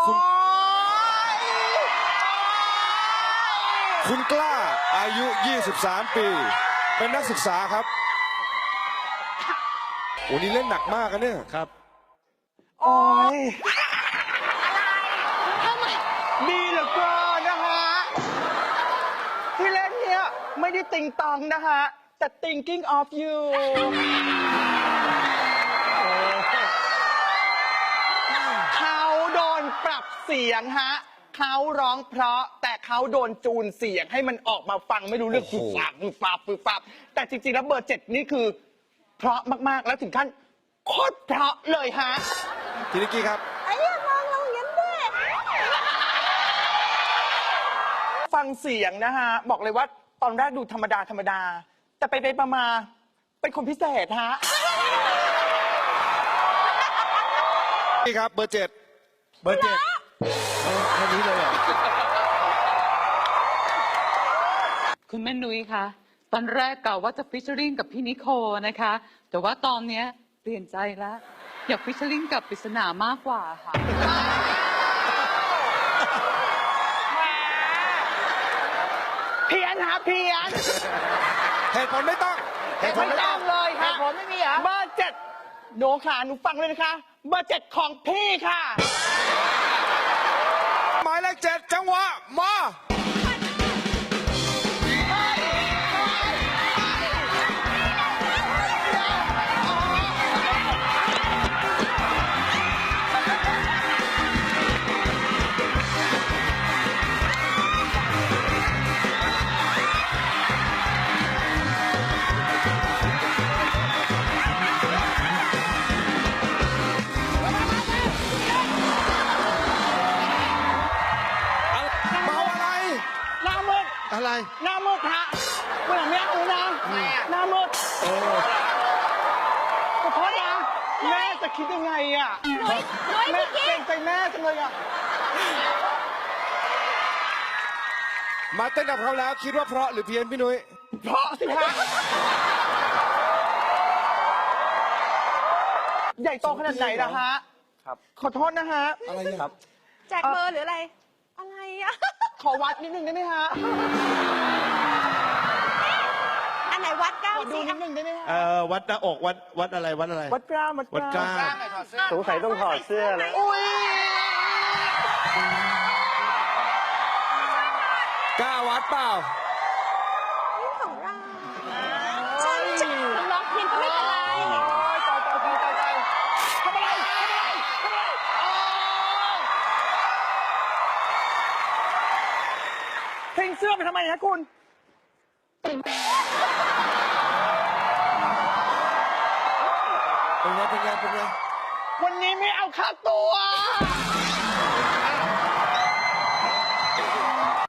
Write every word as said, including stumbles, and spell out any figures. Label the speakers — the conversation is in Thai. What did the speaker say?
Speaker 1: คุณคุณกล้าอายุยี่สิบสามปีเป็นนักศึกษาครับโอ้นี่เล่นหนักมากกันเนี่ยครับ
Speaker 2: โอ้ยดีเหลือเกินนะฮะที่เล่นเนี้ยไม่ได้ติงตองนะฮะแต่ thinking of you เขาโดนปรับเสียงฮะเขาร้องเพราะแต่เขาโดนจูนเสียงให้มันออกมาฟังไม่รู้เรื่องฝึกฟับฝึกฟับฝึกฟับแต่จริงๆแล้วเบอร์เจ็ดนี่คือเพราะมากๆแล้วถึงขั้นโคตรเพราะเลยฮะ
Speaker 1: ทีนิกกี้ครับ
Speaker 3: ไอ้ยังมองเราอย่างนั้นด้วย
Speaker 2: ฟังเสียงนะฮะบอกเลยว่าตอนแรกดูธรรมดาธรรมดาแต่ไปไปมาเป็นคนพิเศษฮะ
Speaker 1: นี่ครับเบอร์เจ็ด
Speaker 4: เบอร์เจ็ดแค่นี้เลยเหรอ
Speaker 5: คุณแม่นุ้ยคะตอนแรกกะว่าจะฟิชเชอริงกับพี่นิโคนะคะแต่ว่าตอนเนี้ยเปลี่ยนใจแล้วอยากฟิชเชอริงกับปริศนามากกว่าค่ะ
Speaker 2: เพี้ยนฮะเพี้ยน
Speaker 1: เหตุผลไม่ต้อง
Speaker 2: เหตุผลไม่ต้องเลยค่ะ
Speaker 3: เหตุผลไม่มีเหรอ
Speaker 2: เบอร์เจ็ดหนูขาหนูฟังเลยนะคะเบอร์เจ็ดของพี่ค่ะ
Speaker 1: หมายเลขเจ็ดจังหวะมา
Speaker 4: อะไร
Speaker 2: หน้ามืดฮะเมื่อนี้อูนะหน้ามืดขอโทษนะแม่จะคิดยังไงอ่ะแม่เกรงใจแม่จังเลยอ่ะ
Speaker 1: มาเต้นกับเขาแล้วคิดว่าเพราะหรือเพี้ยนพี่นุ้ย
Speaker 2: เพราะสิฮะใหญ่โตขนาดไหนล่ะฮะครับขอโทษนะฮะ
Speaker 1: อะไรครับ
Speaker 3: แจกเบอร์หรืออะไรอะไรอ่ะ
Speaker 2: ขอวัดนิดนึงได้ไหมฮะ
Speaker 3: อันไหนวัดกล้าม
Speaker 2: ขอดูนิดนึงได้ไหมฮะ
Speaker 4: เอ่อวัดหน้าอกวัดวัดอะไรวัดอะไร
Speaker 2: วัดกล้ามวัดกล้าม
Speaker 4: สงสัยต้องถอดเสื้อเลย
Speaker 2: อุ้ย
Speaker 1: กล้าวัดเปล่า
Speaker 3: นี่ของเราฉันจะร้องเพียงก็ไม่เป็นไร
Speaker 2: ตายตายตายตายตายทำอะไรทำอะไรทำอะไรเพลงเสื้อไปทำไมฮะคุณ
Speaker 1: เป็นไงเป็นไงเป็นไง
Speaker 2: วันนี้ไม่เอาค่าตัว